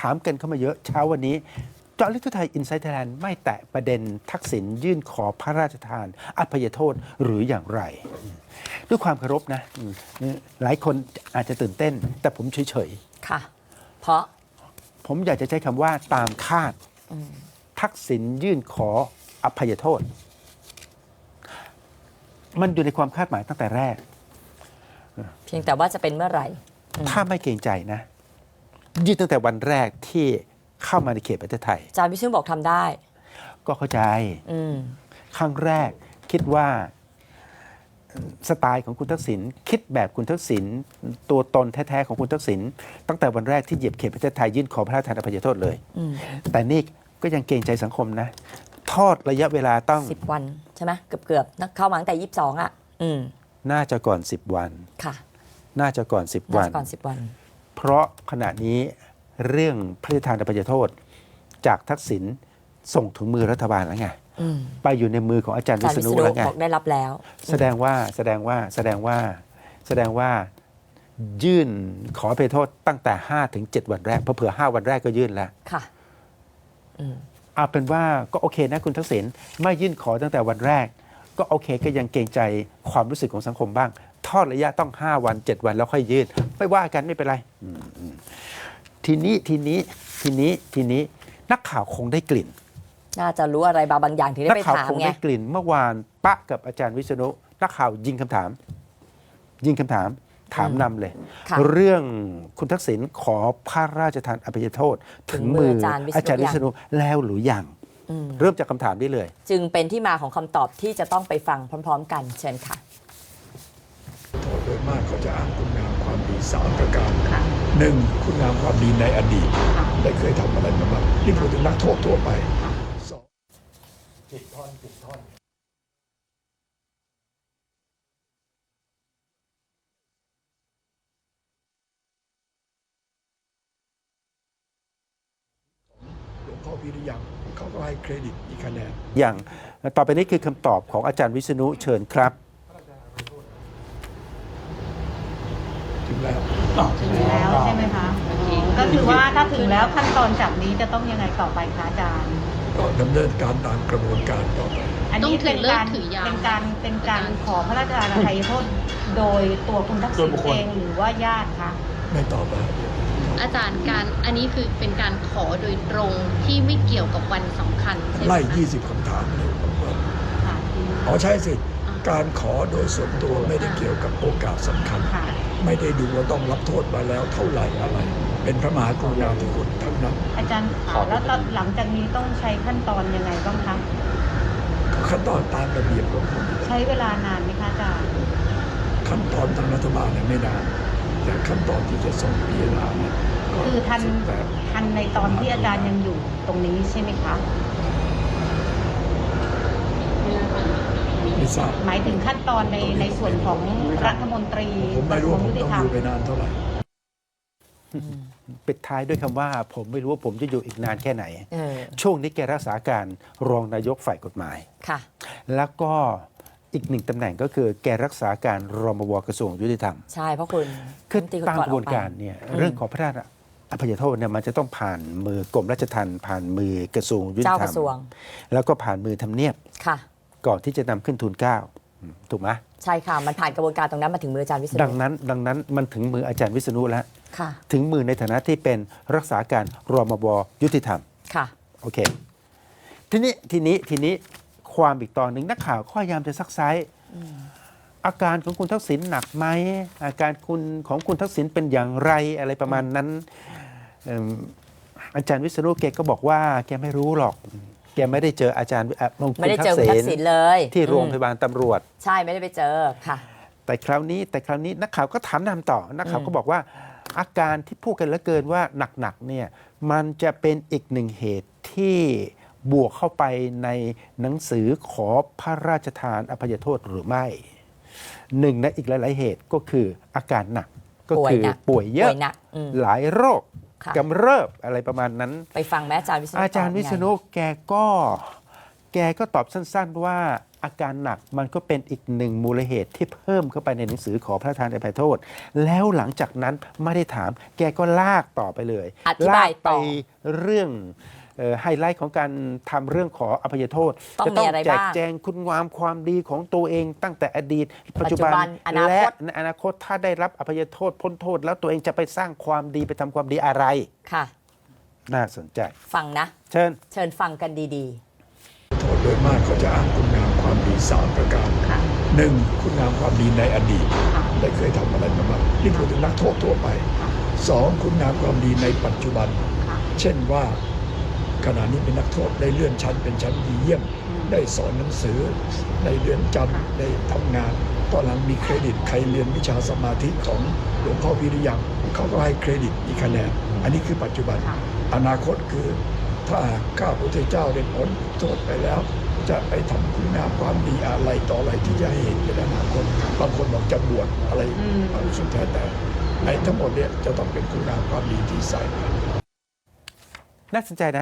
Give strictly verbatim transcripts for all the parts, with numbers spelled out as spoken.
ามกันเข้ามาเยอะเช้าวันนี้เจาะลึกทั่วไทยอินไซต์ไทยแลนด์ไม่แตะประเด็นทักษิณยื่นขอพระราชทานอภัยโทษหรืออย่างไร ด้วยความเคารพนะหลายคนอาจจะตื่นเต้นแต่ผมเฉยๆค่ะเพราะผมอยากจะใช้คำว่าตามคาดทักษิณยื่นขออภัยโทษมันอยู่ในความคาดหมายตั้งแต่แรกเพียงแต่ว่าจะเป็นเมื่อไหร่ถ้าไม่เกรงใจนะยื่นตั้งแต่วันแรกที่เข้ามาในเขตประเทศไทยอาจารย์วิษณุบอกทำได้ก็เข้าใจครั้งแรกคิดว่าสไตล์ของคุณทักษิณคิดแบบคุณทักษิณตัวตนแท้ๆของคุณทักษิณตั้งแต่วันแรกที่เหยียบเขตประเทศไทยยื่นขอพระราชทานอภัยโทษเลยแต่นี่ก็ยังเกรงใจสังคมนะทอดระยะเวลาต้องสิบวันใช่ไหมเกือบๆเข้ามาตั้งแต่ยี่สิบสองอ่ะน่าจะก่อนสิบวันค่ะน่าจะก่อนสิบวันก่อนสิบวันเพราะขณะนี้เรื่องพระราชทานอภัยโทษจากทักษิณส่งถึงมือรัฐบาลแล้วไงไปอยู่ในมือของอาจารย์วิษณุแล้วไงบอกได้รับแล้วแสดงว่าแสดงว่าแสดงว่าแสดงว่ายื่นขออภัยโทษตั้งแต่ห้าถึงเจ็ดวันแรกเผื่อห้าวันแรกก็ยื่นแล้วค่ะเอาเป็นว่าก็โอเคนะคุณทักษิณไม่ยื่นขอตั้งแต่วันแรกก็โอเคก็ยังเกรงใจความรู้สึกของสังคมบ้างทอดระยะต้องห้าวันเจ็ดวันแล้วค่อยยื่นไม่ว่ากันไม่เป็นไรทีนี้ทีนี้ทีนี้ทีนี้นักข่าวคงได้กลิ่นน่าจะรู้อะไรบางอย่างที่ได้ไปถามไงนักข่าวคงได้กลิ่นเมื่อวานปะกับอาจารย์วิษณุนักข่าวยิงคำถามยิงคำถามถามนำเลยเรื่องคุณทักษิณขอพระราชทานอภัยโทษถึงมืออาจารย์วิษณุแล้วหรือยังเริ่มจากคำถามนี้เลยจึงเป็นที่มาของคำตอบที่จะต้องไปฟังพร้อมๆกันเชิญค่ะโดยมากเขาจะอ้างคุณงามความดีสามประการหนึ่งคุณงามความดีในอดีตได้เคยทำอะไรมาบ้างนี่พูดถึงนักโทษทั่วไปสองผิดท่อนผิดท่อนหลวงพ่อพิริยังเขาก็ให้เครดิตอีกคะแนนอย่างต่อไปนี้คือคำตอบของอาจารย์วิษณุเชิญครับถึงแล้วถึงแล้วใช่ไหมคะก็คือว่าถ้าถึงแล้วขั้นตอนจากนี้จะต้องยังไงต่อไปคะอาจารย์ก็ดำเนินการตามกระบวนการต่อไปอันนี้เป็นการเป็นการเป็นการขอพระราชทานอภัยโทษโดยตัวคุณทักษิณเองหรือว่าญาติคะไม่ตอบไปอาจารย์การอันนี้คือเป็นการขอโดยตรงที่ไม่เกี่ยวกับวันสำคัญใช่ไหมไล่ยี่สิบคำถามเลยอ๋อใช่สิการขอโดยส่วนตัวไม่ได้เกี่ยวกับโอกาสสำคัญไม่ได้ดูว่าต้องรับโทษมาแล้วเท่าไหร่อะไรเป็นพระมหากรุณาธิคุณทั้งนั้นอาจารย์ค่ะแล้วหลังจากนี้ต้องใช้ขั้นตอนยังไงบ้างคะขั้นตอนตามระเบียบของผมใช้เวลานานไหมคะอาจารย์ขั้นตอนทางรัฐบาลเนี่ยไม่นานแต่ขั้นตอนที่จะส่งพิจารณาเนี่ยคือทันทันในตอนที่อาจารย์ยังอยู่ตรงนี้ใช่ไหมคะไม่ทราบหมายถึงขั้นตอนในในส่วนของรัฐมนตรีผมไม่รู้ว่าผมต้องอยู่ไปนานเท่าไหร่ปิดท้ายด้วยคำว่าผมไม่รู้ว่าผมจะอยู่อีกนานแค่ไหนช่วงนี้แกรักษาการรองนายกฝ่ายกฎหมายค่ะแล้วก็อีกหนึ่งตำแหน่งก็คือแกรักษาการรมวกระทรวงยุติธรรมใช่เพราะคุณคือตามกระบวนการเนี่ยเรื่องของพระราชอภัยโทษเนี่ยมันจะต้องผ่านมือกรมราชทัณฑ์ผ่านมือกระทรวงยุติธรรมแล้วก็ผ่านมือทำเนียบค่ะก่อนที่จะนำขึ้นทูลเกล้าถูกไหมใช่ค่ะมันผ่านกระบวนการตรงนั้นมาถึงมืออาจารย์วิษณุดังนั้นดังนั้นมันถึงมืออาจารย์วิษณุแล้วค่ะถึงมือในฐานะที่เป็นรักษาการรมวยุติธรรมค่ะโอเคทีนี้ทีนี้ทีนี้ความอีกตอนหนึ่งนักข่าวพยายามจะซักไซอาการของคุณทักษิณหนักไหมอาการคุณของคุณทักษิณเป็นอย่างไรอะไรประมาณนั้นอาจารย์วิษณุแกก็บอกว่าแกไม่รู้หรอกแกไม่ได้เจออาจารย์ไม่ได้เจอคุณทักษิณเลยที่โรงพยาบาลตำรวจใช่ไม่ได้ไปเจอค่ะแต่คราวนี้แต่คราวนี้นักข่าวก็ถามนำต่อนักข่าวก็บอกว่าอาการที่พูดกันเหลือเกินว่าหนักๆเนี่ยมันจะเป็นอีกหนึ่งเหตุที่บวกเข้าไปในหนังสือขอพระราชทานอภัยโทษหรือไม่หนึ่งในอีกหลายๆเหตุก็คืออาการหนักก็คือป่วยเยอะหลายโรคกำเริบอะไรประมาณนั้นไปฟังแม่อาจารย์วิษณุอาจารย์วิษณุแกก็แกก็ตอบสั้นๆว่าอาการหนักมันก็เป็นอีกหนึ่งมูลเหตุที่เพิ่มเข้าไปในหนังสือขอพระราชทานอภัยโทษ แล้วหลังจากนั้นไม่ได้ถาม แกก็ลากต่อไปเลยอธิบายลากไปต่อเรื่องเอ่อไฮไลท์ของการทำเรื่องขออภัยโทษต้องจะมีอะไรแจกบ้างแจงคุณงามความดีของตัวเองตั้งแต่อดีต ปัจจุบันปัจจุบันอนาคตและในอนาคตถ้าได้รับอภัยโทษพ้นโทษ แล้วตัวเองจะไปสร้างความดีไปทำความดีอะไรค่ะน่าสนใจฟังนะเชิญเชิญฟังกันดีโทษโดยมากเขาจะอ้างคุณงามความดีสามประการค่ะหนึ่งคุณงามความดีในอดีตค่ะได้เคยทำอะไรมาบ้างนี่พูดถึงนักโทษทั่วไปค่ะสองคุณงามความดีในปัจจุบันค่ะเช่นว่าขณะนี้เป็นนักโทษได้เลื่อนชั้นเป็นชั้นดีเยี่ยมอืมได้สอนหนังสือในเรือนจค่ะำได้ทำงาน ตอนหลังมีเครดิตใครเรียนวิชาสมาธิของหลวงพ่อวิริยังเขาก็ให้เครดิตมีคะแนนอันนี้คือปัจจุบันค่ะอนาคตคือถ้าข้าพระพุทธเจ้าได้พ้นโทษไปแล้ว จะไปทำคุณงามความดีอะไรต่ออะไรที่จะให้เห็นในอนาคตบางคนบอกจะบวชอะไรอืมบางสุดแท้แต่ไอ้ทั้งหมดเนี่ยจะต้องเป็นคุณงามความดีที่ใส่ไปน่าสนใจนะ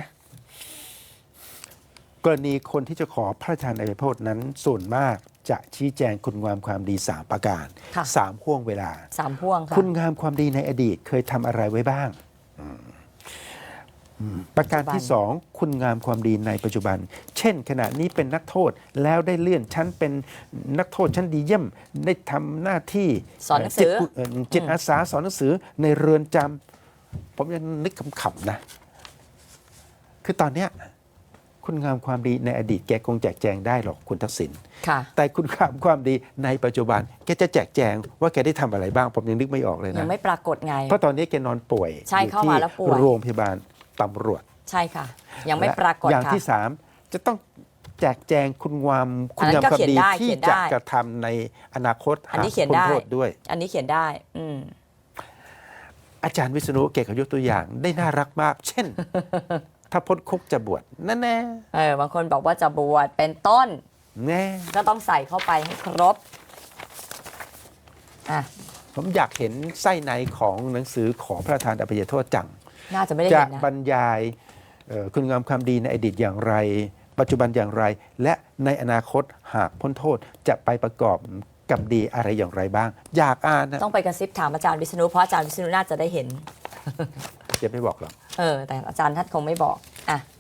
กรณีคนที่จะขอพระราชทานอภัยโทษนั้นส่วนมากจะชี้แจงคุณงามความดีสามประการค่ะสามห่วงเวลาๆ สามพ่วงค่ะคุณงามความดีในอดีตเคยทำอะไรไว้บ้างอืมอืมประการที่ปัจจุบันสองคุณงามความดีในปัจจุบัน เช่น ขณะนี้เป็นนักโทษแล้วได้เลื่อนชั้นเป็นนักโทษชั้นดีเยี่ยมได้ทำหน้าที่สอนหนังสือจิตเอ่อจิตอาสาสอนหนังสือในเรือนจำผมยังนึกขำๆนะ คือตอนเนี้ยคุณงามความดีในอดีตแกคงแจกแจงได้หรอกคุณทักษิณค่ะแต่คุณงามความดีในปัจจุบันแกจะแจกแจงว่าแกได้ทำอะไรบ้าง ผมยังนึกไม่ออกเลยยันะงไม่ปรากฏไงเพราะตอนนี้แกนอนป่วยใช่อยู่เข้าที่มาแล้วป่วยโรงพยาบาลตำรวจใช่ค่ะ ยังไม่และปรากฏอย่างค่ะที่สามจะต้องแจกแจงคุณงามคุอัณนนั้งามนก็ความเขียนดีได้ที่เขียนได้จะกระทำในอนาคตอันนี้หากเขียนพ้ได้โทษด้วยอันนี้เขียนได้ อืมอาจารย์วิษณุเกศเขายกตัวอย่างได้น่ารักมาก เช่น ถ้าพ้นคุกจะบวชนั่นแน่เออบางคนบอกว่าจะบวชเป็นต้นแน่ก็ต้องใส่เข้าไปให้ครบ อ่ะผมอยากเห็นไส้ในของหนังสือขอพระราชทานอภัยโทษจังน่าจะไม่ได้จะเห็นนะบรรยายเอ่อคุณงามความดีในอดีตอย่างไร ปัจจุบันอย่างไร และในอนาคตหากพ้นโทษจะไปประกอบกับดีอะไรอย่างไรบ้าง อยากอ่านนะต้องไปกระซิบถามอาจารย์วิษณุเพราะอาจารย์วิษณุน่าจะได้เห็นจะไม่บอกหรอกเออ แต่อาจารย์ท่านคงไม่บอก อ่ะ